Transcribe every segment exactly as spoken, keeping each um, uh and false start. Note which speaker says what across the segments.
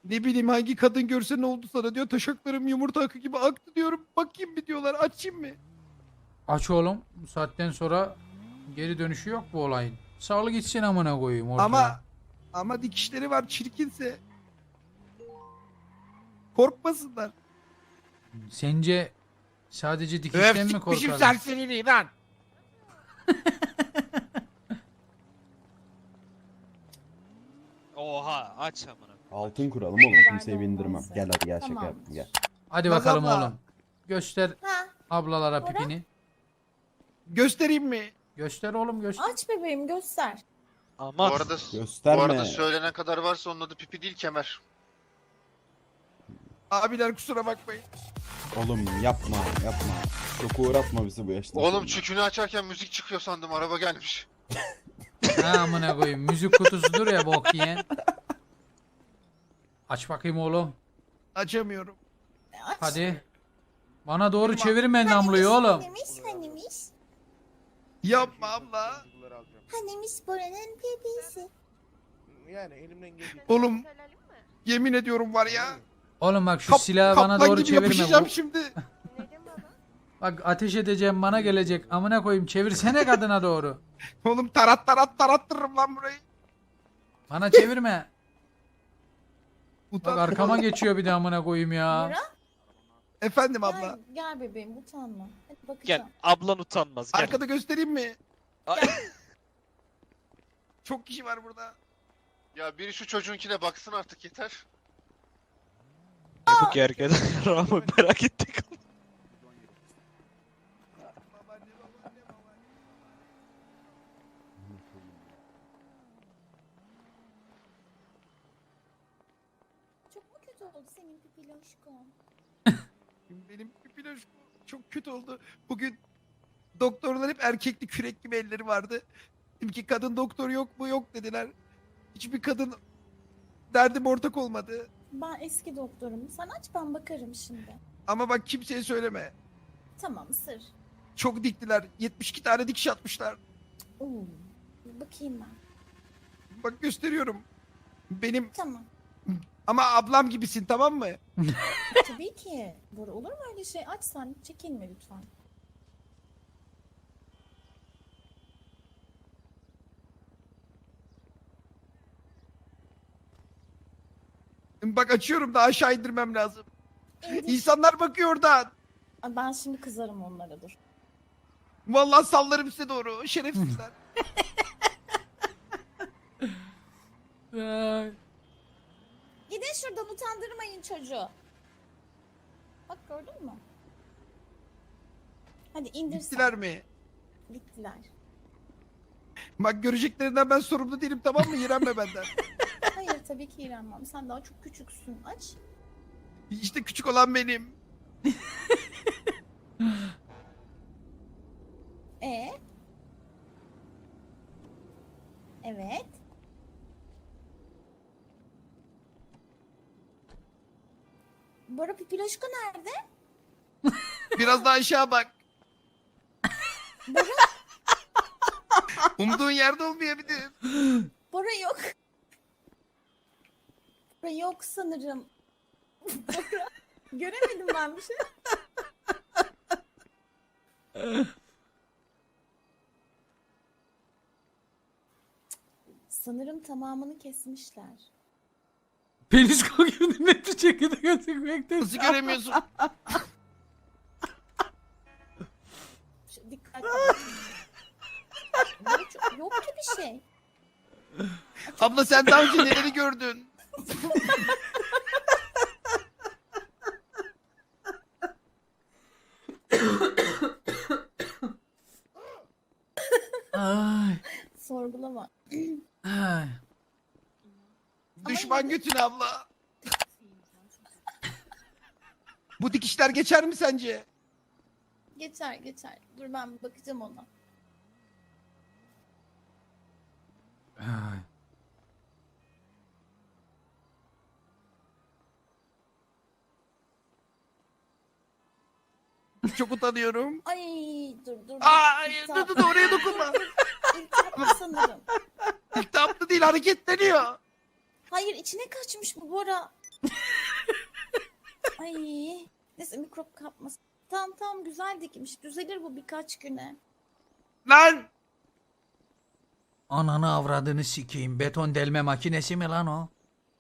Speaker 1: Ne bileyim hangi kadın görse ne oldu sana diyor. Taşaklarım yumurta akı gibi aktı diyorum. Bakayım bir diyorlar, açayım mı?
Speaker 2: Aç oğlum. Bu saatten sonra geri dönüşü yok bu olayın. Sağlık gitsin amına koyayım ortaya.
Speaker 1: Ama ama dikişleri var, çirkinse. Korkmasınlar.
Speaker 2: Sence sadece dikişten mi
Speaker 1: Öf,
Speaker 2: korkarlar?
Speaker 1: serseriliği lan.
Speaker 3: Oha aç amına.
Speaker 4: Altın kuralım oğlum, kimseyi bindirmem. Gel hadi gel, şaka
Speaker 5: Tamam.
Speaker 4: yaptım gel.
Speaker 2: Hadi
Speaker 1: Naz
Speaker 2: bakalım
Speaker 1: abla.
Speaker 2: oğlum. Göster
Speaker 5: Ha,
Speaker 2: ablalara
Speaker 5: Bora?
Speaker 2: pipini.
Speaker 1: Göstereyim mi?
Speaker 2: Göster oğlum göster.
Speaker 5: aç bebeğim göster.
Speaker 3: Aman.
Speaker 6: Bu arada,
Speaker 4: Gösterme.
Speaker 6: bu arada söylenen kadar varsa onun adı pipi değil, kemer.
Speaker 1: Abiler kusura bakmayın.
Speaker 4: Oğlum yapma yapma. Çok uğratma bizi bu yaşta.
Speaker 6: Oğlum
Speaker 4: sonra.
Speaker 6: çükünü açarken müzik çıkıyor sandım, araba gelmiş.
Speaker 2: Ha amına koyayım. Müzik kutusudur ya bok yiyen. Aç bakayım oğlum.
Speaker 1: Açamıyorum.
Speaker 5: Aç.
Speaker 2: Hadi. Bana doğru
Speaker 1: Tamam.
Speaker 2: çevirme namluyu oğlum.
Speaker 5: Hanimiş, hanimiş.
Speaker 1: Yapma abla.
Speaker 5: Hanimiş Bora'nın bebeğisi.
Speaker 7: Yani elimden geldiği
Speaker 1: Oğlum yemin ediyorum var ya.
Speaker 2: Oğlum bak şu
Speaker 1: Kap,
Speaker 2: silahı bana
Speaker 1: kaplan
Speaker 2: doğru
Speaker 1: gibi
Speaker 2: çevirme.
Speaker 1: yapışacağım
Speaker 2: Bu-
Speaker 1: şimdi.
Speaker 2: Bak ateş edeceğim bana gelecek. Amına koyayım çevirsene kadına doğru.
Speaker 1: Oğlum tarat tarat tarattırırım lan burayı.
Speaker 2: Bana çevirme. Bak
Speaker 1: Utan.
Speaker 2: arkama geçiyor bir de amına koyayım ya.
Speaker 5: Bora
Speaker 1: Efendim
Speaker 5: gel,
Speaker 1: abla.
Speaker 5: gel bebeğim utanma. Hadi
Speaker 3: Gel
Speaker 5: bakacağım.
Speaker 3: ablan utanmaz gel.
Speaker 1: Arkada göstereyim mi?
Speaker 3: Ay.
Speaker 1: Çok kişi var burada.
Speaker 6: Ya biri şu çocuğunkine baksın artık, yeter.
Speaker 3: Ne bu gergeden Ramo merak ettik.
Speaker 1: Babaanne, babaanne, babaanne.
Speaker 5: Çok mu kötü oldu senin pipiloşkon?
Speaker 1: Benim pipiloş çok kötü oldu. Bugün doktorlar hep erkekli kürek gibi elleri vardı. Dedim ki kadın doktor yok mu? Yok dediler. Hiçbir kadın derdim ortak olmadı.
Speaker 5: Ben eski doktorum. Sen aç ben bakarım şimdi.
Speaker 1: Ama bak kimseye söyleme.
Speaker 5: Tamam sır.
Speaker 1: Çok diktiler. yetmiş iki tane dikiş atmışlar.
Speaker 5: Oo. Bakayım ben.
Speaker 1: Bak gösteriyorum. Benim
Speaker 5: Tamam.
Speaker 1: ama ablam gibisin, tamam mı?
Speaker 5: Tabii ki. Bora olur mu öyle şey? Aç sen. Çekinme lütfen.
Speaker 1: Bak açıyorum da aşağı indirmem lazım.
Speaker 5: İndir.
Speaker 1: İnsanlar bakıyor oradan.
Speaker 5: Ay, ben şimdi kızarım onlara dur.
Speaker 1: Vallahi sallarım size doğru. Şerefsizler.
Speaker 2: Ay.
Speaker 5: Gidin şuradan utandırmayın çocuğu. Bak gördün mü? Hadi indir sen.
Speaker 1: Gittiler mi?
Speaker 5: Gittiler.
Speaker 1: Bak göreceklerinden ben sorumlu değilim, tamam mı? İğrenme benden.
Speaker 5: Hayır tabii ki iğrenmem. Sen daha çok küçüksün. Aç.
Speaker 1: İşte küçük olan benim.
Speaker 5: E. Evet. Bora Pipiloşko nerede?
Speaker 1: Biraz daha aşağı bak. Umduğun yerde olmayabilir.
Speaker 5: Bora yok. Bora yok sanırım. Bora. Göremedim ben bir şey. Sanırım tamamını kesmişler.
Speaker 2: Pelisko gibi net bir şekilde gözükmekte.
Speaker 1: Nasıl göremiyorsun?
Speaker 5: Şu- Dikkat. Bora çok- yok ki bir şey.
Speaker 1: Abla sen daha önce neleri gördün?
Speaker 2: Ay.
Speaker 5: Sorgulama.
Speaker 2: Ay.
Speaker 1: Düşman götüne abla. Bu dikişler geçer mi sence?
Speaker 5: Geçer geçer. Dur ben bir bakacağım ona.
Speaker 2: Ay.
Speaker 1: Çok utanıyorum.
Speaker 5: Ay dur dur. dur.
Speaker 1: Aa,
Speaker 5: İltihap-
Speaker 1: dur dur oraya dokunma.
Speaker 5: İltihaplı sanırım.
Speaker 1: İltihaplı değil, hareketleniyor.
Speaker 5: Hayır içine kaçmış bu Bora. Ay. Neyse mikrop kapmasın. Tamam tamam güzel dikmiş. Düzelir bu birkaç güne.
Speaker 1: Lan!
Speaker 2: Ananı avradını sikeyim. Beton delme makinesi mi lan o?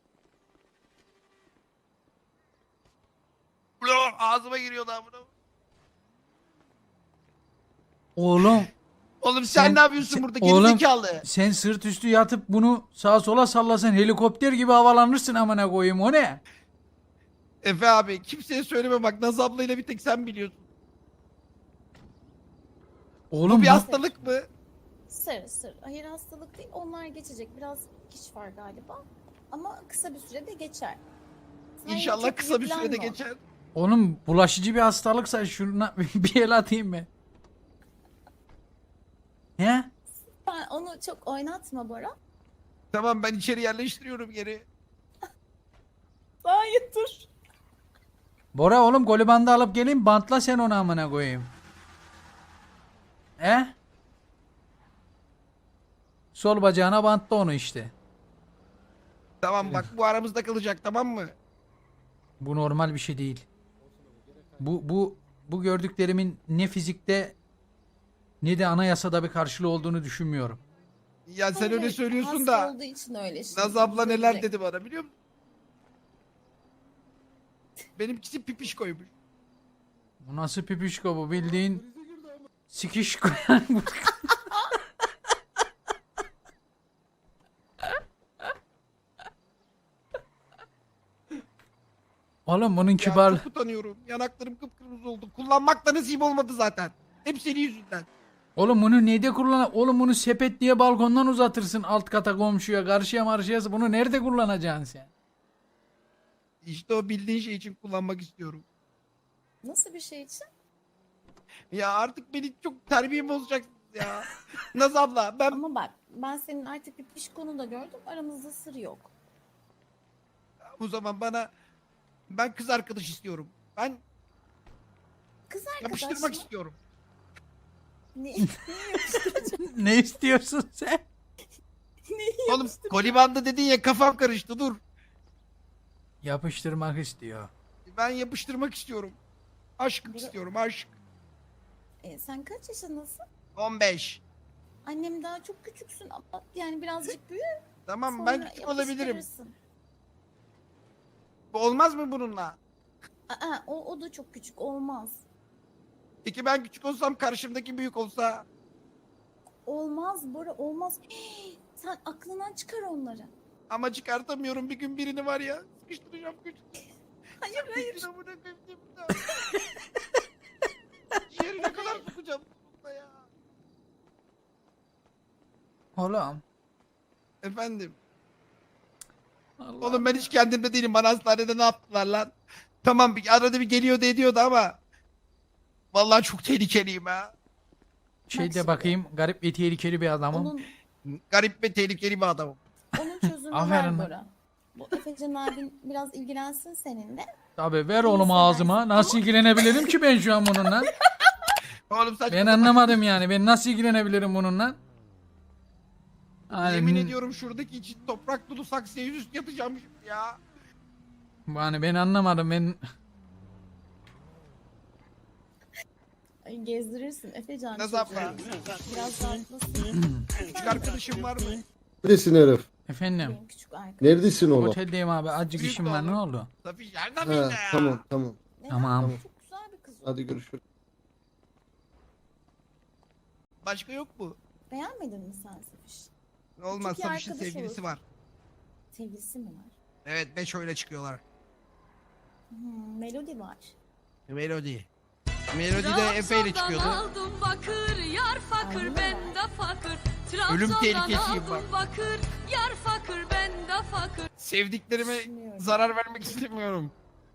Speaker 1: Ulan ağzıma giriyor daha bunu.
Speaker 2: Oğlum
Speaker 1: Oğlum sen,
Speaker 2: Sen-
Speaker 1: ne yapıyorsun
Speaker 2: sen-
Speaker 1: burada
Speaker 2: oğlum-
Speaker 1: gerizekalı?
Speaker 2: sen sırt üstü yatıp bunu sağa sola sallasan helikopter gibi havalanırsın amına koyayım, o ne?
Speaker 1: Efe abi kimseye söyleme bak Naz ablayla bir tek sen biliyorsun.
Speaker 2: Oğlum
Speaker 1: Bu bir
Speaker 2: bu-
Speaker 1: hastalık mı?
Speaker 5: Sır sır. Hayır hastalık değil. Onlar geçecek. Biraz kiş var galiba. Ama kısa bir sürede geçer. Sen yine
Speaker 1: İnşallah
Speaker 5: çok
Speaker 1: kısa bir sürede
Speaker 5: yüklenme.
Speaker 1: geçer.
Speaker 2: Oğlum bulaşıcı bir hastalıksa şuna bir el atayım be. He?
Speaker 5: Ben onu çok oynatma Bora.
Speaker 1: Tamam ben içeri yerleştiriyorum geri.
Speaker 5: Hayır dur.
Speaker 2: Bora oğlum golü bandı alıp geleyim, bantla sen onu amına koyayım. He? Sol bacağına bantla onu işte.
Speaker 1: Tamam bak bu aramızda kalacak tamam mı?
Speaker 2: Bu normal bir şey değil. Bu bu bu gördüklerimin ne fizikte ne de anayasada bir karşılığı olduğunu düşünmüyorum.
Speaker 1: Ya sen
Speaker 5: Hayır,
Speaker 1: öyle
Speaker 5: hayır.
Speaker 1: söylüyorsun
Speaker 5: Hasta
Speaker 1: da
Speaker 5: olduğu için öyle şimdi.
Speaker 1: Naz abla neler
Speaker 5: Düzelecek.
Speaker 1: dedi bana biliyor musun? Benimkisi pipiş koymuş.
Speaker 2: Bu nasıl pipişko, bu bildiğin sikişko yani. bu. Oğlum bunun
Speaker 1: Ya
Speaker 2: kibar.
Speaker 1: çok utanıyorum. Yanaklarım kıpkırmızı oldu. Kullanmak da nasip olmadı zaten. Hep senin yüzünden.
Speaker 2: Oğlum bunu neyde kullan? Oğlum bunu sepet diye balkondan uzatırsın alt kata komşuya, karşıya marşıya. Bunu nerede kullanacaksın sen?
Speaker 1: İşte o bildiğin şey için kullanmak istiyorum.
Speaker 5: Nasıl bir şey için?
Speaker 1: Ya artık beni çok terbiyem bozacaksınız ya. Naz abla ben
Speaker 5: Ama bak ben senin artık bir pişkonu da gördüm. Aramızda sır yok.
Speaker 1: o zaman bana ben kız arkadaş istiyorum. Ben
Speaker 5: Kız arkadaş
Speaker 1: yapıştırmak
Speaker 5: mı?
Speaker 1: istiyorum.
Speaker 5: Ne, neyi yapıştıracağım?
Speaker 2: Ne istiyorsun sen?
Speaker 5: Neyi
Speaker 1: Oğlum
Speaker 5: yapıştıracağım?
Speaker 1: kolibandı dedin ya kafam karıştı dur.
Speaker 2: Yapıştırmak istiyor.
Speaker 1: Ben yapıştırmak istiyorum. Aşk
Speaker 5: Bura-
Speaker 1: istiyorum aşk.
Speaker 5: E, sen kaç yaşındasın?
Speaker 1: on beş.
Speaker 5: Annem daha çok küçüksün ama yani birazcık büyü.
Speaker 1: Tamam
Speaker 5: Sonra
Speaker 1: ben küçük olabilirim.
Speaker 5: yapıştırırsın.
Speaker 1: Bu olmaz mı bununla?
Speaker 5: Aa, o, o da çok küçük olmaz.
Speaker 1: Peki ben küçük olsam karşımdaki büyük olsa
Speaker 5: Olmaz Bora olmaz. Hii, sen aklından çıkar onları.
Speaker 1: ama çıkartamıyorum bir gün birini var ya sıkıştıracağım küçük.
Speaker 5: Hayır hayır.
Speaker 1: Küçüğüne buna koyayım diye burada. Yerine kadar sokacağım bununla ya.
Speaker 2: Oğlum.
Speaker 1: Efendim.
Speaker 2: Allah.
Speaker 1: Oğlum ben hiç kendimde değilim. Bana hastanede ne yaptılar lan? Tamam bir arada bir geliyordu ediyordu ama vallahi çok tehlikeliyim ha.
Speaker 2: Şeyde
Speaker 5: şimdi.
Speaker 2: bakayım, garip ve tehlikeli bir adamım.
Speaker 5: Onun,
Speaker 1: Garip ve tehlikeli bir adamım.
Speaker 5: onun çözümü
Speaker 2: Aferin.
Speaker 5: var Bora. Bu Efecan abin biraz ilgilensin seninle.
Speaker 2: Tabii ver
Speaker 5: İyi
Speaker 2: oğlum
Speaker 5: seversin.
Speaker 2: ağzıma. Nasıl ilgilenebilirim ki ben şu an bununla?
Speaker 1: Oğlum saçma.
Speaker 2: Ben anlamadım yani. Ben nasıl ilgilenebilirim bununla?
Speaker 1: Yemin
Speaker 2: Yani,
Speaker 1: ediyorum şuradaki için toprak dolu saksıya yüzüstü yatacağım şimdi ya.
Speaker 2: yani ben anlamadım. Ben
Speaker 5: Ay, gezdirirsin Efecan.
Speaker 1: Naz
Speaker 5: çocuğu.
Speaker 1: abla.
Speaker 5: Biraz rahatlasın.
Speaker 1: Küçük arkadaşım var mı?
Speaker 8: Neredesin herif?
Speaker 2: efendim.
Speaker 5: Benim küçük arkadaşım.
Speaker 8: Neredesin oğlum?
Speaker 2: Oteldeyim abi. Azıcık
Speaker 1: Büyük
Speaker 2: işim var. Ne
Speaker 1: oğlum.
Speaker 2: oldu?
Speaker 1: Safiş nereden
Speaker 8: Ha,
Speaker 1: bildin ya?
Speaker 8: tamam tamam.
Speaker 5: Neden?
Speaker 2: Tamam.
Speaker 5: Çok güzel bir kız o.
Speaker 8: Hadi görüşürüz.
Speaker 1: Başka yok mu?
Speaker 5: Beğenmedin mi sen Safiş?
Speaker 1: Olmaz
Speaker 5: Çok iyi
Speaker 1: Safiş'in
Speaker 5: arkadaş
Speaker 1: sevgilisi
Speaker 5: olur.
Speaker 1: var.
Speaker 5: Sevgilisi mi var?
Speaker 1: Evet beş öyle çıkıyorlar.
Speaker 5: Hmm, Melodi var.
Speaker 1: Melody. Melody de Efe ile çıkıyordu.
Speaker 9: aldım bakır, yar fakir
Speaker 5: Aynen.
Speaker 9: ben de fakir.
Speaker 1: Ölüm
Speaker 9: Trabzon'dan
Speaker 1: tehlikesiyim
Speaker 9: aldım
Speaker 1: bak.
Speaker 9: bakır, yar fakir ben de fakir.
Speaker 1: Sevdiklerime
Speaker 5: Düşünüyorum.
Speaker 1: zarar vermek istemiyorum.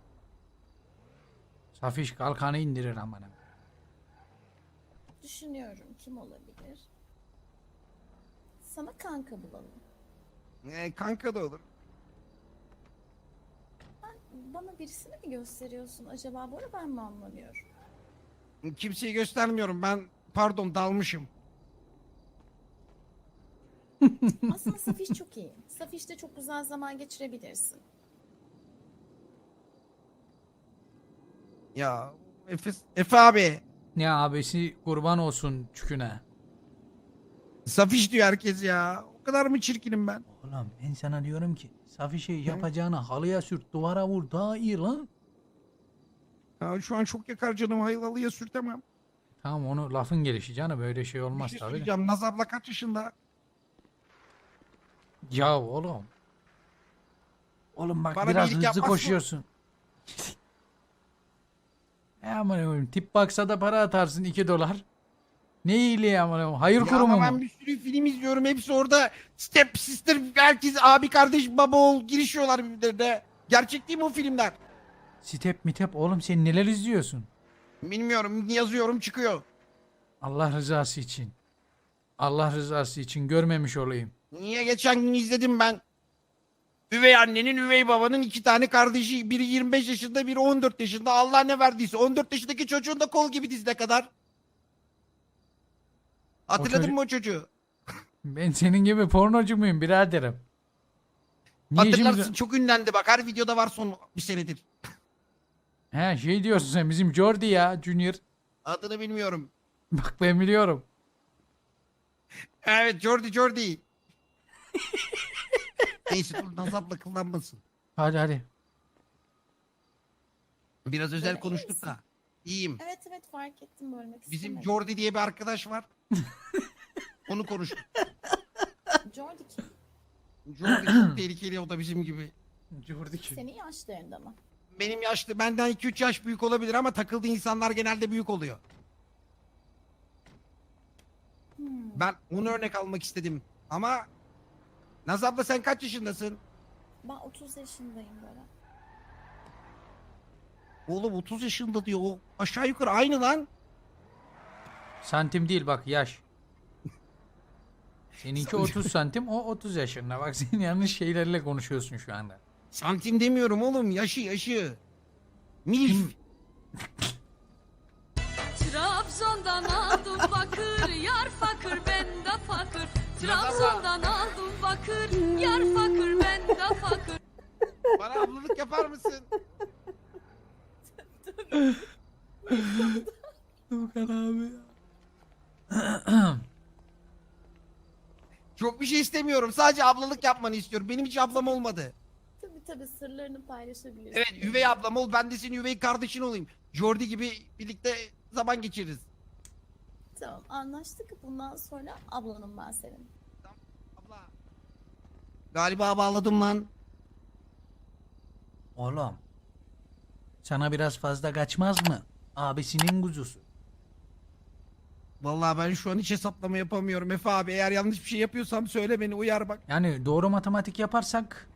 Speaker 2: Safiş kalkanı indirir amına.
Speaker 5: Düşünüyorum kim olabilir? Sana kanka bulalım.
Speaker 1: Ee, kanka da olur.
Speaker 5: Bana birisini mi gösteriyorsun acaba Bora ben mi anlamıyorum?
Speaker 1: Kimseyi göstermiyorum ben pardon dalmışım.
Speaker 5: Aslında Safiş çok iyi. Safiş'te çok güzel zaman geçirebilirsin.
Speaker 1: Ya Efe, Efe abi.
Speaker 2: Ne abisi kurban olsun çüküne.
Speaker 1: Safiş diyor herkes ya. O kadar mı çirkinim ben?
Speaker 2: Oğlum ben sana diyorum ki Safişe yapacağına halıya sürt duvara vur daha iyi lan.
Speaker 1: Ya şu an çok yakar canım. Haylalıya sürtemem.
Speaker 2: Tamam onu lafın gelişi canım böyle şey
Speaker 1: Bir
Speaker 2: olmaz
Speaker 1: şey
Speaker 2: tabii. de.
Speaker 1: söyleyeceğim. Naz abla kaç yaşında?
Speaker 2: Ya oğlum. Oğlum bak
Speaker 1: Bana
Speaker 2: biraz
Speaker 1: iyilik
Speaker 2: hızlı
Speaker 1: yapmaz mı?
Speaker 2: koşuyorsun. E aman koyayım tip baksa da para atarsın iki dolar. Ne iyiliği aman koyayım, hayır
Speaker 1: Ya
Speaker 2: kurumu
Speaker 1: ama ben
Speaker 2: mu?
Speaker 1: bir sürü film izliyorum. Hepsi orada step sister, herkes abi kardeş baba oğul girişiyorlar birbirlerine. Gerçek değil mi o filmler?
Speaker 2: Step mitep oğlum sen neler izliyorsun?
Speaker 1: Bilmiyorum, yazıyorum çıkıyor.
Speaker 2: Allah rızası için. Allah rızası için görmemiş olayım.
Speaker 1: Niye geçen gün izledim ben. Üvey annenin, üvey babanın iki tane kardeşi. Biri yirmi beş yaşında, biri on dört yaşında. Allah ne verdiyse. on dört yaşındaki çocuğun da kol gibi dizine kadar. Hatırladın
Speaker 2: çocuk-
Speaker 1: mı o çocuğu?
Speaker 2: Ben senin gibi pornocu muyum biraderim? Niye
Speaker 1: Hatırlarsın,
Speaker 2: şimdi...
Speaker 1: çok ünlendi bak. Her videoda var son bir senedir.
Speaker 2: He şey diyorsun sen bizim Jordi ya Junior.
Speaker 1: Adını bilmiyorum.
Speaker 2: Bak ben biliyorum.
Speaker 1: Evet, Jordi Jordi. Neyse dur, Nazap'la kullanmasın.
Speaker 2: Hadi hadi.
Speaker 1: Biraz özel
Speaker 5: Böyle
Speaker 1: konuştuk
Speaker 5: iyisin.
Speaker 1: da. İyiyim.
Speaker 5: Evet evet fark ettim bölmek
Speaker 1: Bizim
Speaker 5: istemedim.
Speaker 1: Jordi diye bir arkadaş var. Onu konuştuk.
Speaker 5: Jordi kim?
Speaker 1: Jordi çok tehlikeli, o da bizim gibi.
Speaker 2: Jordi kim?
Speaker 5: Senin yaşlarında mı?
Speaker 1: Benim yaşlı, benden iki üç yaş büyük olabilir ama takıldığı insanlar genelde büyük oluyor.
Speaker 5: Hmm.
Speaker 1: Ben onu örnek almak istedim. Ama Naz abla sen kaç yaşındasın?
Speaker 5: Ben otuz yaşındayım böyle.
Speaker 1: Oğlum otuz yaşında diyor. O aşağı yukarı aynı lan.
Speaker 2: Santim değil bak yaş. Seninki otuz santim o otuz yaşında. Bak sen yanlış şeylerle konuşuyorsun şu anda.
Speaker 1: Santim demiyorum oğlum. Yaşı yaşı. Milf.
Speaker 9: Trabzon'dan aldım bakır yar fakir ben de fakir. Trabzon'dan aldım bakır yar fakir ben de fakir.
Speaker 1: Bana ablalık yapar mısın?
Speaker 2: Tuğkan abi.
Speaker 1: Çok bir şey istemiyorum. Sadece ablalık yapmanı istiyorum. Benim hiç ablam olmadı.
Speaker 5: Tabii tabii sırlarını paylaşabilirsin.
Speaker 1: Evet, üvey ablam ol. Ben de senin üvey kardeşin olayım. Jordi gibi birlikte zaman geçiririz.
Speaker 5: Tamam anlaştık. Bundan sonra ablanım ben senin.
Speaker 1: Abla. Galiba bağladım lan.
Speaker 2: Oğlum. Sana biraz fazla kaçmaz mı? Abisinin kuzusu.
Speaker 1: Vallahi ben şu an hiç hesaplama yapamıyorum Efe abi. Eğer yanlış bir şey yapıyorsam söyle, beni uyar bak.
Speaker 2: Yani doğru matematik yaparsak.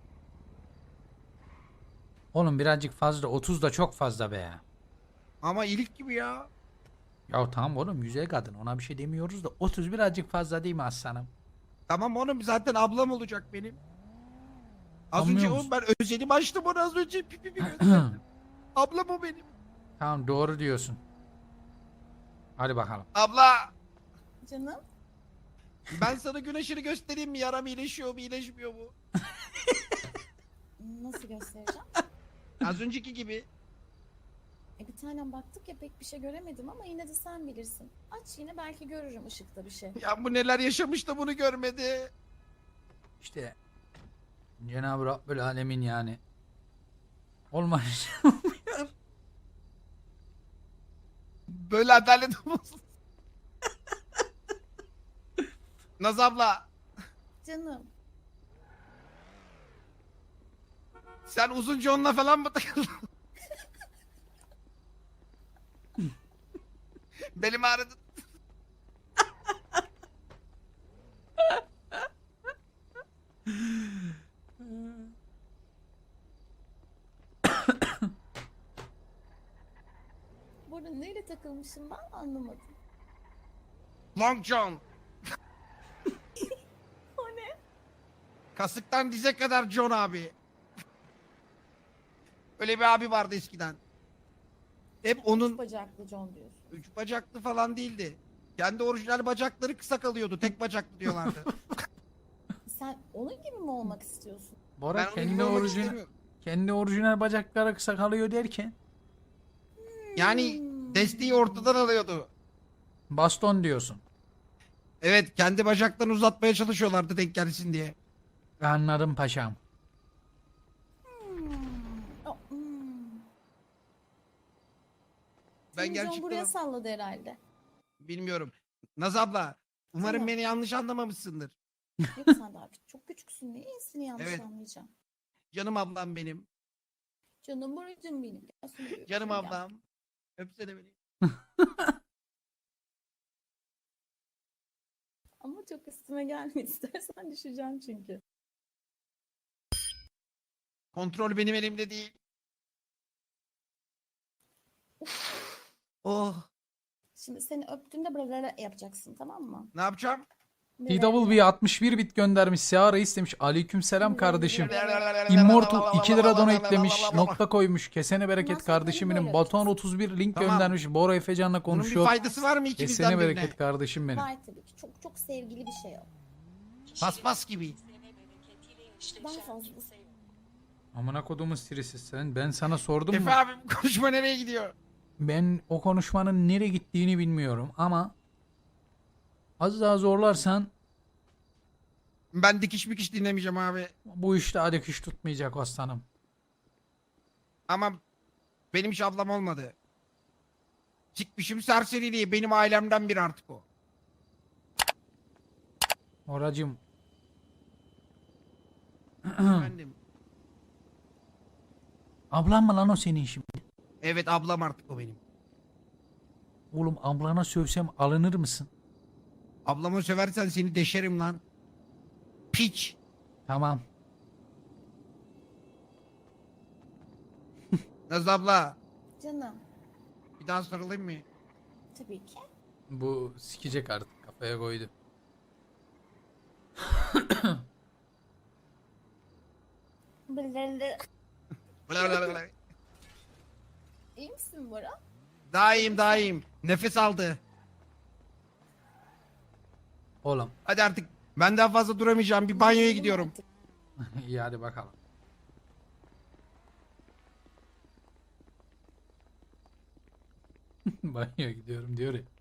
Speaker 2: Oğlum birazcık fazla. otuz da çok fazla be.
Speaker 1: Ama iyilik gibi ya.
Speaker 2: Ya tamam oğlum güzel kadın ona bir şey demiyoruz da otuz birazcık fazla değil mi aslanım?
Speaker 1: Tamam oğlum, zaten ablam olacak benim. Az
Speaker 2: Anlıyor
Speaker 1: önce
Speaker 2: musun?
Speaker 1: oğlum ben özelim açtım onu az önce. Pipi bir gösterdim. Ablam o benim.
Speaker 2: Tamam doğru diyorsun. Hadi bakalım.
Speaker 1: Abla,
Speaker 5: Canım.
Speaker 1: ben sana gün ışığını göstereyim mi? Yaram iyileşiyor mu iyileşmiyor mu?
Speaker 5: Nasıl göstereceğim?
Speaker 1: Az önceki gibi.
Speaker 5: E bir tanem baktık ya pek bir şey göremedim ama yine de sen bilirsin. Aç yine belki görürüm ışıkta bir şey.
Speaker 1: Ya bu neler yaşamış da bunu görmedi.
Speaker 2: İşte Cenab-ı Rabbül Alemin yani. Olmaz.
Speaker 1: Böyle adalet olmasın. Naz abla,
Speaker 5: Canım.
Speaker 1: sen uzun John'la falan mı takıldın? Benim ağrıdı.
Speaker 5: Burada neyle takılmışım ben anlamadım.
Speaker 1: Long John.
Speaker 5: O ne?
Speaker 1: Kasıktan dize kadar John abi. Öyle bir abi vardı eskiden. Hep onun
Speaker 5: Bacaklı John diyorsun.
Speaker 1: üç bacaklı falan değildi. Kendi orijinal bacakları kısa kalıyordu. Tek bacaklı diyorlardı.
Speaker 5: Sen onun gibi mi olmak istiyorsun?
Speaker 2: Bora
Speaker 1: Ben onu
Speaker 2: kendi
Speaker 1: görmek
Speaker 2: orijinal
Speaker 1: istemiyorum.
Speaker 2: kendi orijinal bacakları kısa kalıyor derken
Speaker 1: Yani
Speaker 5: Hmm.
Speaker 1: desteği ortadan alıyordu.
Speaker 2: Baston diyorsun.
Speaker 1: Evet, kendi bacaklarını uzatmaya çalışıyorlardı denk gelsin diye.
Speaker 2: Anladım paşam.
Speaker 5: Hmm. O, hmm.
Speaker 1: Ben
Speaker 5: Televizyon
Speaker 1: gerçekten
Speaker 5: buraya salladı herhalde.
Speaker 1: bilmiyorum. Naz abla, umarım
Speaker 5: Tamam.
Speaker 1: beni yanlış anlamamışsındır.
Speaker 5: Yok sen daha küçük- çok küçüksün diye iyisini yanlış
Speaker 1: Evet.
Speaker 5: anlayacağım.
Speaker 1: Canım ablam benim.
Speaker 5: Canım buracım benim. Gel şunu bir
Speaker 1: Canım
Speaker 5: öpeyim gel.
Speaker 1: ablam. Öpsene beni.
Speaker 5: Ama çok üstüme gelme istersen düşeceğim çünkü.
Speaker 1: Kontrol benim elimde değil. Oh,
Speaker 5: Şimdi seni öptüğümde buralara yapacaksın tamam mı?
Speaker 1: ne yapacağım?
Speaker 2: T W B altmış bir bit göndermiş. Seara istemiş. Aleykümselam kardeşim.
Speaker 5: Immortal
Speaker 2: Immortal iki lira donatelemiş. Nokta koymuş. Kesene bereket
Speaker 5: Bundan sonra
Speaker 2: kardeşim benim.
Speaker 5: böyle
Speaker 2: Batuhan
Speaker 5: yapacaksın.
Speaker 2: otuz bir link
Speaker 1: Tamam.
Speaker 2: göndermiş. Bora Efecan'la
Speaker 1: Bunun bir
Speaker 2: konuşuyor.
Speaker 1: faydası var mı ikimizden
Speaker 2: Kesene
Speaker 1: birine?
Speaker 2: bereket kardeşim benim.
Speaker 5: Var tabii ki. Çok çok sevgili bir şey o.
Speaker 1: Paspas gibi.
Speaker 5: Daha fazlası.
Speaker 2: Amına kodumun sirisi sen. Ben sana sordum mu?
Speaker 1: Efe abi bu konuşma nereye gidiyor?
Speaker 2: Ben o konuşmanın nereye gittiğini bilmiyorum ama az daha zorlarsan
Speaker 1: Ben dikiş mikiş dinlemeyeceğim abi.
Speaker 2: bu işte adik tutmayacak aslanım.
Speaker 1: Ama benim hiç ablam olmadı. Çıkmışım serseriliği. Benim ailemden biri artık o.
Speaker 2: Oracım
Speaker 1: Efendim.
Speaker 2: ablan mı lan o senin şimdi?
Speaker 1: Evet, ablam artık o benim.
Speaker 2: Oğlum ablana sövsem alınır mısın?
Speaker 1: Ablama söversen seni deşerim lan. Piç.
Speaker 2: Tamam.
Speaker 1: Naz abla.
Speaker 5: Canım.
Speaker 1: Bir daha sarılayım mı?
Speaker 5: Tabii ki.
Speaker 2: Bu sikecek artık kafaya koydu.
Speaker 5: Blablabla.
Speaker 1: Bla bla bla.
Speaker 5: İyi misin Bora?
Speaker 1: Daha iyiyim, daha iyiyim. Nefes aldı.
Speaker 2: Oğlum
Speaker 1: Hadi artık. Ben daha fazla duramayacağım. Bir banyoya
Speaker 5: Gidelim
Speaker 1: gidiyorum.
Speaker 5: artık.
Speaker 2: iyi hadi bakalım. Banyoya gidiyorum diyor ya.